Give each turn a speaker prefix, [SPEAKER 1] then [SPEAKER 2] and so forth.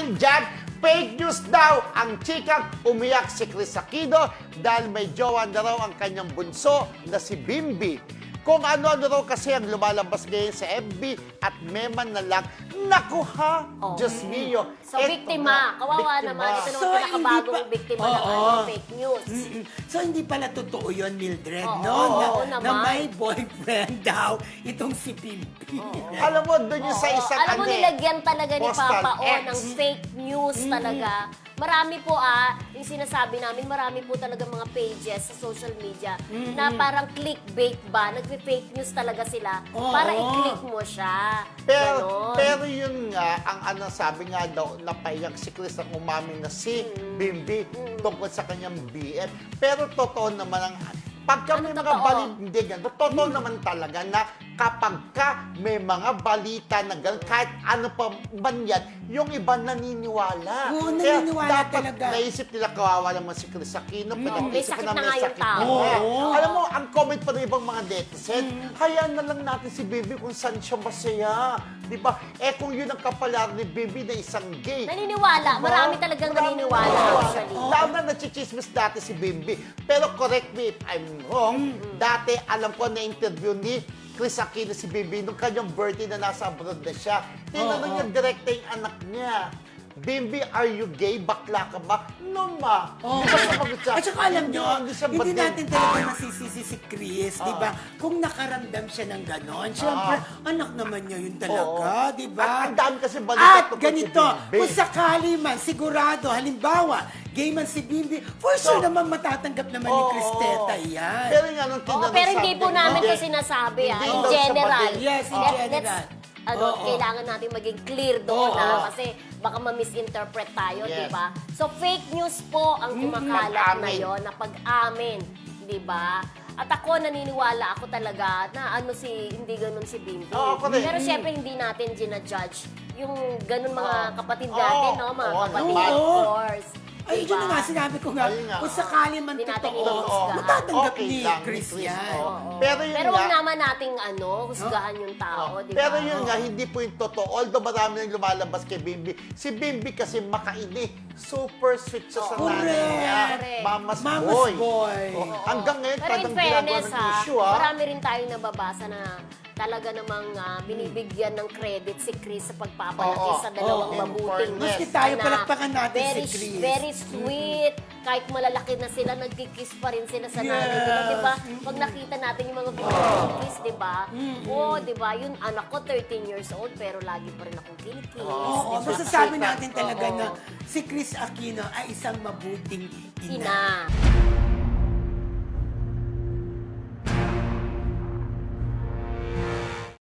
[SPEAKER 1] Dahil dyan, fake news daw ang chikang umiyak si Chris Aquino dahil may jowa na raw ang kanyang bunso na si Bimbi. Kung ano-ano raw kasi ang lumalabas ngayon sa FB at meman na lang, naku ha, Diyos mio.
[SPEAKER 2] So, biktima. Kawawa naman. Ito naman pinakabagong biktima ng fake news.
[SPEAKER 3] So, hindi pala totoo yun, Mildred, no?
[SPEAKER 2] Oo
[SPEAKER 3] Na
[SPEAKER 2] naman.
[SPEAKER 3] may boyfriend daw itong si Pimpi.
[SPEAKER 1] Alam mo, doon yung sa isang
[SPEAKER 2] Alam mo, nilagyan talaga ni
[SPEAKER 1] Postal
[SPEAKER 2] Papa O
[SPEAKER 1] X.
[SPEAKER 2] ng fake news talaga. Marami po yung sinasabi namin, marami po talaga mga pages sa social media na parang clickbait ba, nagpe-fake news talaga sila para i-click mo siya. Ganon.
[SPEAKER 1] Pero yun nga, ang sabi nga daw, napayak si Chris ang umamin na si Bimbi tungkol sa kanyang BF. Pero totoo naman ang pagka may mga
[SPEAKER 2] totoo?
[SPEAKER 1] balita, hindi ganun. Totoo naman talaga na kapag ka may mga balita na ganun, kahit ano pa man yan, yung iba naniniwala.
[SPEAKER 3] Oo,
[SPEAKER 1] Kaya
[SPEAKER 3] naniniwala
[SPEAKER 1] dapat
[SPEAKER 3] talaga.
[SPEAKER 1] naisip nila kawawa naman si Chris Aquino.
[SPEAKER 2] May sakit na nga yung tao.
[SPEAKER 1] Oo. Alam mo, ang comment pa ng ibang mga netizen, hayaan na lang natin si Bibi kung saan siya masaya. Di ba? Eh kung yun ang kapalar ni Bibi na isang gay.
[SPEAKER 2] Naniniwala.
[SPEAKER 1] Diba?
[SPEAKER 2] Marami talagang naniniwala actually.
[SPEAKER 1] Lalo na nachichismis dati si Bimbi. Pero correct me if I'm wrong, dati alam ko na interview ni Chris Aquino si Bimbi nung kanyang birthday na nasa abroad na siya. Tinanong niya direkta yung anak niya. Bimbi, are you gay? Bakla ka ba? No, ma. Di ba sumagot siya?
[SPEAKER 3] At saka alam nyo, hindi natin talaga masisisi si Chris, di ba? Kung nakaramdam siya ng ganon, syempre, anak naman niya yun talaga, di ba?
[SPEAKER 1] At ang dami kasi balita
[SPEAKER 3] At
[SPEAKER 1] tungkol
[SPEAKER 3] ganito,
[SPEAKER 1] si Bimbi.
[SPEAKER 3] kung sakali man, sigurado, halimbawa, gay man si Bimbi, for sure naman matatanggap naman ni Chris Teta yan.
[SPEAKER 1] Pero nga nung
[SPEAKER 2] Oo,
[SPEAKER 1] tinanong
[SPEAKER 2] pero hindi
[SPEAKER 1] sabi
[SPEAKER 2] po
[SPEAKER 1] niya,
[SPEAKER 2] namin
[SPEAKER 1] hindi.
[SPEAKER 2] ito sinasabi
[SPEAKER 1] Hindi
[SPEAKER 2] in
[SPEAKER 1] daw siya
[SPEAKER 2] general.
[SPEAKER 1] bading.
[SPEAKER 3] Yes, in general.
[SPEAKER 2] Kailangan natin maging clear doon kasi baka ma-misinterpret tayo,
[SPEAKER 1] Yes.
[SPEAKER 2] di ba? So, fake news po ang kumakalat na
[SPEAKER 1] Pag-amin.
[SPEAKER 2] yon na pag-amin, di ba? At ako, naniniwala ako talaga na hindi ganun si Bimbi.
[SPEAKER 1] Oo, ako rin.
[SPEAKER 2] Pero syempre, hindi natin ginajudge yung ganun mga kapatid natin, no? Mga
[SPEAKER 1] Oo,
[SPEAKER 2] kapatid,
[SPEAKER 1] naman.
[SPEAKER 2] of course.
[SPEAKER 3] Ay,
[SPEAKER 2] Diba?
[SPEAKER 3] yun na nga, sinabi ko nga,
[SPEAKER 1] Ayun nga.
[SPEAKER 3] kung sakali man
[SPEAKER 2] Hindi natin
[SPEAKER 3] totoo,
[SPEAKER 2] inuhusgahan.
[SPEAKER 3] matatanggap
[SPEAKER 1] Okay
[SPEAKER 3] ni
[SPEAKER 1] lang,
[SPEAKER 3] Chris yan.
[SPEAKER 1] oo. Pero yun
[SPEAKER 2] Pero
[SPEAKER 1] nga,
[SPEAKER 2] huwag naman nating husgahan yung tao, di ba?
[SPEAKER 1] pero yun nga, hindi po yung totoo. Although marami nang lumalabas kay Bimbi. Si Bimbi kasi makaini. Super sweet siya sa nanay niya.
[SPEAKER 2] Correct.
[SPEAKER 1] Mama's
[SPEAKER 3] Mama's
[SPEAKER 1] boy.
[SPEAKER 3] boy.
[SPEAKER 1] Oh, hanggang ngayon,
[SPEAKER 2] Pero in
[SPEAKER 1] talagang ginagawa
[SPEAKER 2] fairness,
[SPEAKER 1] ng issue, ha?
[SPEAKER 2] marami rin tayong nababasa na talaga namang binibigyan ng credit si Chris sa pagpapalaki
[SPEAKER 1] Oo.
[SPEAKER 2] sa dalawang
[SPEAKER 1] Oo.
[SPEAKER 2] mabuting
[SPEAKER 1] In fairness.
[SPEAKER 3] Maski tayo,
[SPEAKER 2] anak.
[SPEAKER 3] palakpakan natin si
[SPEAKER 2] Very,
[SPEAKER 3] Chris.
[SPEAKER 2] Very sweet. Kahit malalaki na sila, nagkikiss pa rin sila sa nanay nila, di ba? Pag nakita natin yung mga video ni Chris, di ba? Oo, di ba? Yung anak ko, 13 years old, pero lagi pa rin akong kinikiss.
[SPEAKER 3] Oo,
[SPEAKER 2] di ba?
[SPEAKER 3] masasabi natin talaga na si Chris Aquino ay isang mabuting ina.
[SPEAKER 2] Ina.